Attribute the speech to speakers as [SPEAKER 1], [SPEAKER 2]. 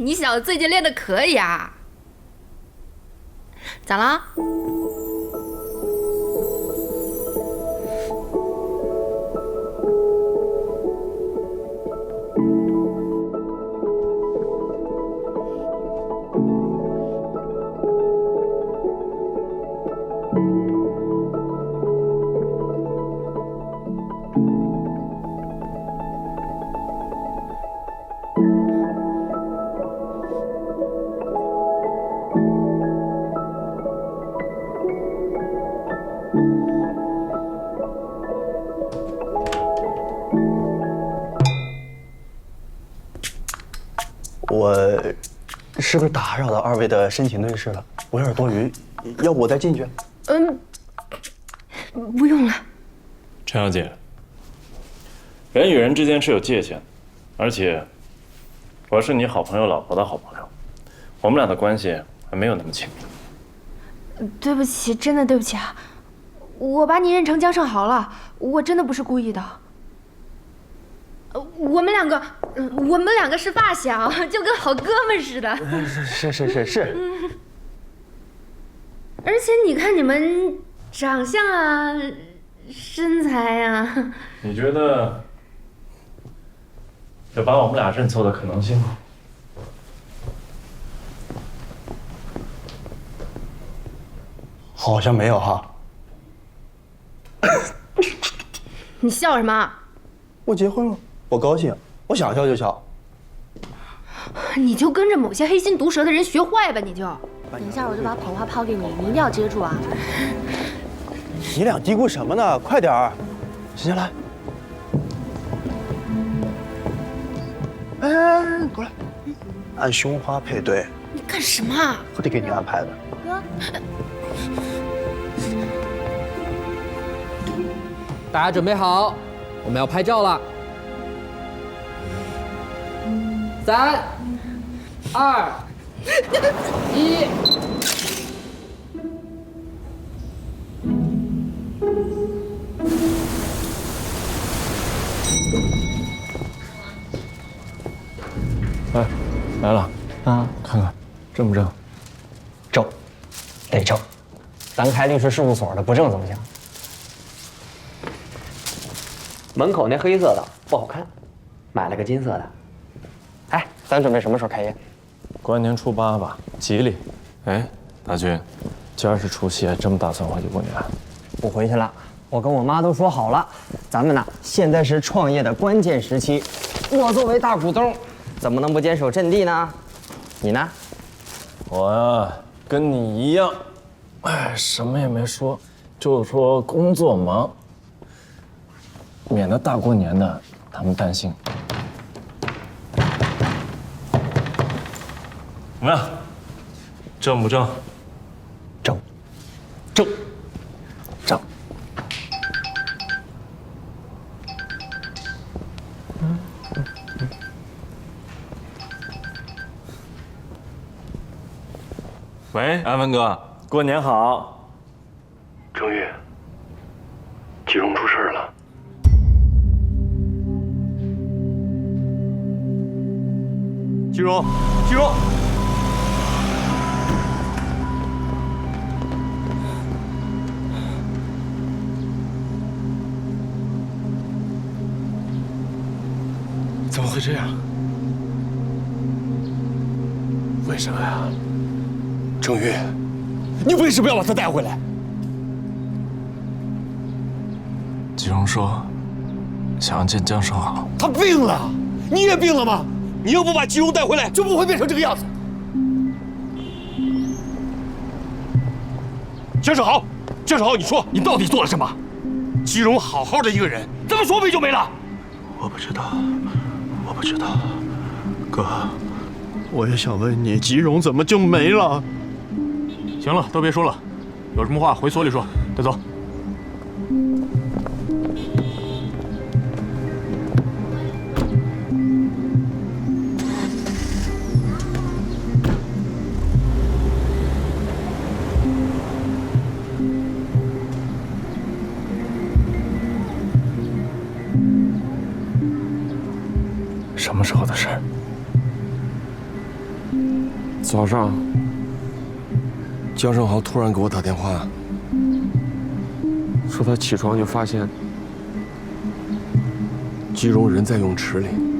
[SPEAKER 1] 你小子最近练的可以啊。咋了？
[SPEAKER 2] 我是不是打扰到二位的深情对视了？我有点多余，要不我再进去？
[SPEAKER 1] 不用了。
[SPEAKER 3] 陈小姐，人与人之间是有界限的，而且我是你好朋友老婆的好朋友，我们俩的关系还没有那么亲密。
[SPEAKER 1] 对不起，真的对不起啊，我把你认成江胜豪了，我真的不是故意的。我们两个是发小，就跟好哥们似的。
[SPEAKER 2] 是。
[SPEAKER 1] 而且你看你们长相啊，身材啊，
[SPEAKER 3] 你觉得有把我们俩认错的可能性吗？
[SPEAKER 2] 好像没有哈。
[SPEAKER 1] 你笑什么？
[SPEAKER 2] 我结婚了，我高兴，我想笑就笑。
[SPEAKER 1] 你就跟着某些黑心毒舌的人学坏吧，你就。
[SPEAKER 4] 等一下我就把捧花抛给你，你一定要接住啊！
[SPEAKER 2] 你俩嘀咕什么呢？快点儿，行来。哎，过来，按胸花配对。
[SPEAKER 1] 你干什么啊？
[SPEAKER 2] 我得给你安排的。
[SPEAKER 4] 哥，
[SPEAKER 5] 大家准备好，我们要拍照了。3、2、1。
[SPEAKER 3] 哎，来了啊！看看正不正？
[SPEAKER 6] 正，得正。咱开律师事务所的，不正怎么行？门口那黑色的不好看，买了个金色的。哎，咱准备什么时候开业？
[SPEAKER 3] 过完年初8吧，吉利。哎，大军，今儿是除夕，还真不打算回去过年？
[SPEAKER 6] 不回去了，我跟我妈都说好了，咱们呢现在是创业的关键时期，我作为大股东，怎么能不坚守阵地呢？你呢？
[SPEAKER 3] 我呀，跟你一样，哎，什么也没说，就说工作忙，免得大过年的他们担心。怎么样？正不正？
[SPEAKER 6] 正，
[SPEAKER 3] 正，正。喂，安文哥，过年好。
[SPEAKER 2] 郑玉，季荣出事了。
[SPEAKER 3] 季荣，季荣。怎么会这样？为什么呀？
[SPEAKER 2] 郑玉，
[SPEAKER 3] 你为什么要把他带回来？季荣说，想要见江胜豪。
[SPEAKER 7] 他病了，你也病了吗？你要不把季荣带回来，就不会变成这个样子。江胜豪，江胜豪，你说你到底做了什么？季荣好好的一个人，怎么说没就没了？
[SPEAKER 2] 我不知道，我不知道，哥，我也想问你，季荣怎么就没了？
[SPEAKER 7] 行了，都别说了，有什么话回所里说。带走。
[SPEAKER 3] 什么时候的事儿？
[SPEAKER 7] 早上，江胜豪突然给我打电话，说他起床就发现季荣人在泳池里。